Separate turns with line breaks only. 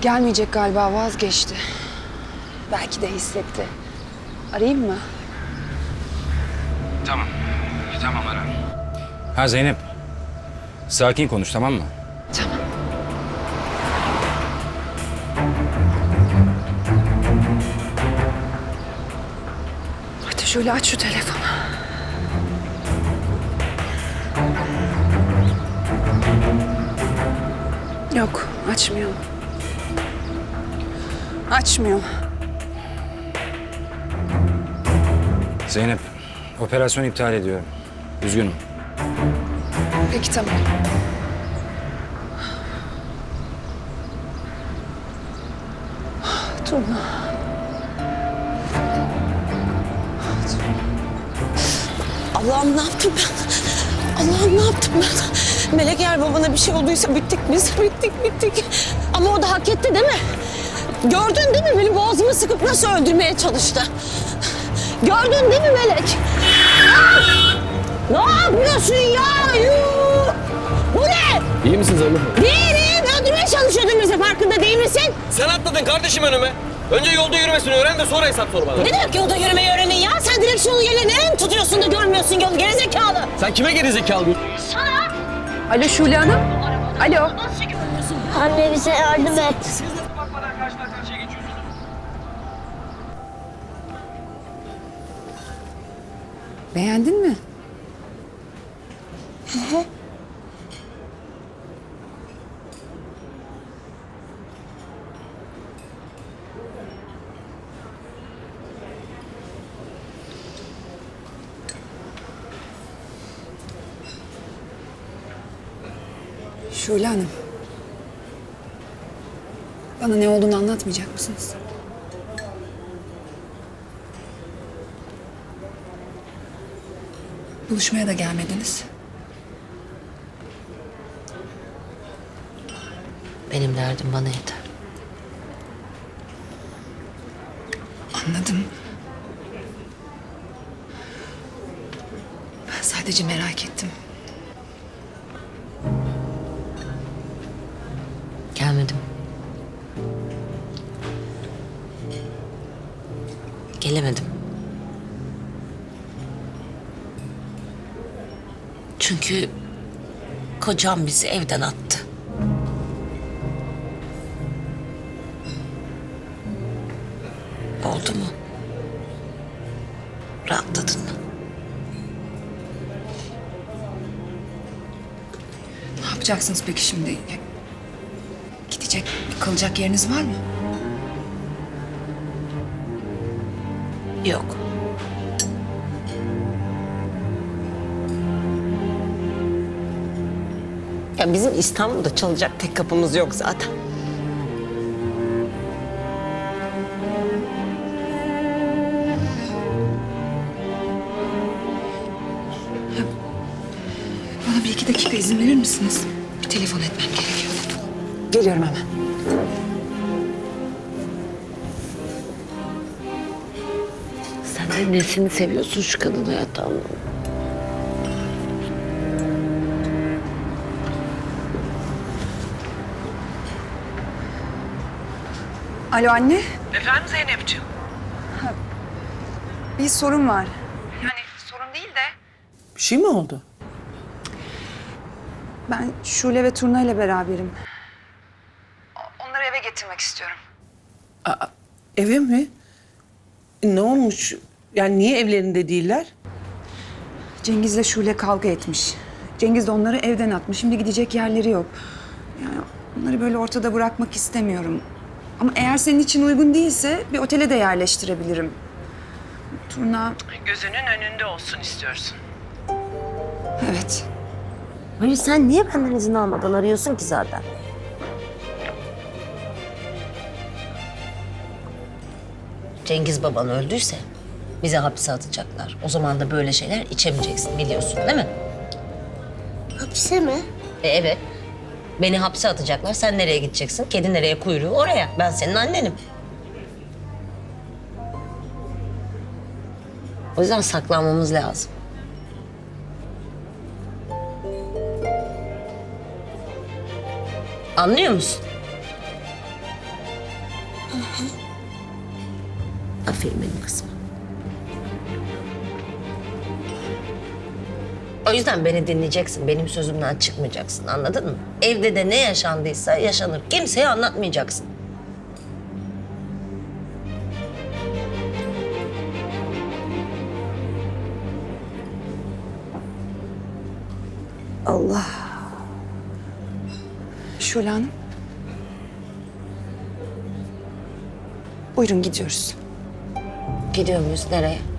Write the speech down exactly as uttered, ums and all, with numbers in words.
Gelmeyecek galiba, vazgeçti. Belki de hissetti. Arayayım mı?
Tamam. Tamam ara. Ha Zeynep. Sakin konuş, tamam mı?
Tamam. Hadi şöyle aç şu telefonu. Yok, açmıyor. Açmıyor.
Zeynep, operasyon iptal ediyorum. Üzgünüm.
Peki tamam. Turna.
Allah'ım ne yaptım ben? Allah'ım ne yaptım ben? Melek eğer babana bir şey olduysa bittik biz, bittik bittik. Ama o da hak etti değil mi? Gördün değil mi beni boğazımı sıkıp nasıl öldürmeye çalıştı? Gördün değil mi Melek? Ah! Ne yapıyorsun ya? Yuh! Bu ne?
İyi misin Zeynep?
Değilim. Öldürmeye çalışıyordun bizi, farkında değil misin?
Sen atladın kardeşim önüme. Önce yolda yürümesini öğren de sonra hesap sor bana.
Ne demek yolda yürümeyi öğrenin ya? Sen direksiyonu yerine nereye mi tutuyorsun da görmüyorsun yolu, gerizekalı?
Sen kime gerizekalı diyorsun?
Sana.
Alo Şule Hanım. Alo.
Nasıl görmüyorsun?
Anne bize yardım et.
Siz de bakmadan karşıdan karşıya geçiyorsunuz.
Beğendin mi? Şule Hanım. Bana ne olduğunu anlatmayacak mısınız? Buluşmaya da gelmediniz.
Benim derdim bana yeter.
Anladım. Ben sadece merak ettim.
Gelmedim. Gelemedim. Çünkü kocam bizi evden attı. Oldu mu? Rahatladın mı?
Ne yapacaksınız peki şimdi? Gidecek, kalacak yeriniz var mı?
Yok. Ya bizim İstanbul'da çalacak tek kapımız yok zaten.
Bana bir iki dakika izin verir misiniz? Bir telefon etmem gerekiyor. Geliyorum hemen.
Sen de nesini seviyorsun şu kadın hayattan?
Alo anne.
Efendim Zeynep'ciğim?
Bir sorun var. Yani sorun değil de.
Bir şey mi oldu?
Ben Şule ve Turna ile beraberim. Onları eve getirmek istiyorum.
Aa, eve mi? Ne olmuş? Yani niye evlerinde değiller?
Cengiz'le Şule kavga etmiş. Cengiz de onları evden atmış. Şimdi gidecek yerleri yok. Yani onları böyle ortada bırakmak istemiyorum. Ama eğer senin için uygun değilse bir otele de yerleştirebilirim. Turna,
Gözünün önünde olsun istiyorsun.
evet.
Hayır sen niye benden izin almadan arıyorsun ki zaten?
Cengiz baban öldüyse bizi hapse atacaklar. O zaman da böyle şeyler içemeyeceksin, biliyorsun değil mi?
Hapise mi?
E, evet. Beni hapse atacaklar. Sen nereye gideceksin? Kedi nereye kuyruğu oraya. Ben senin annenim. O yüzden saklanmamız lazım. Anlıyor musun?
Aferin benim kızıma. O yüzden beni dinleyeceksin. Benim sözümden çıkmayacaksın. Anladın mı? Evde de ne yaşandıysa yaşanır. Kimseye anlatmayacaksın.
Allah. Şule Hanım. Buyurun gidiyoruz.
Gidiyor muyuz? Nereye?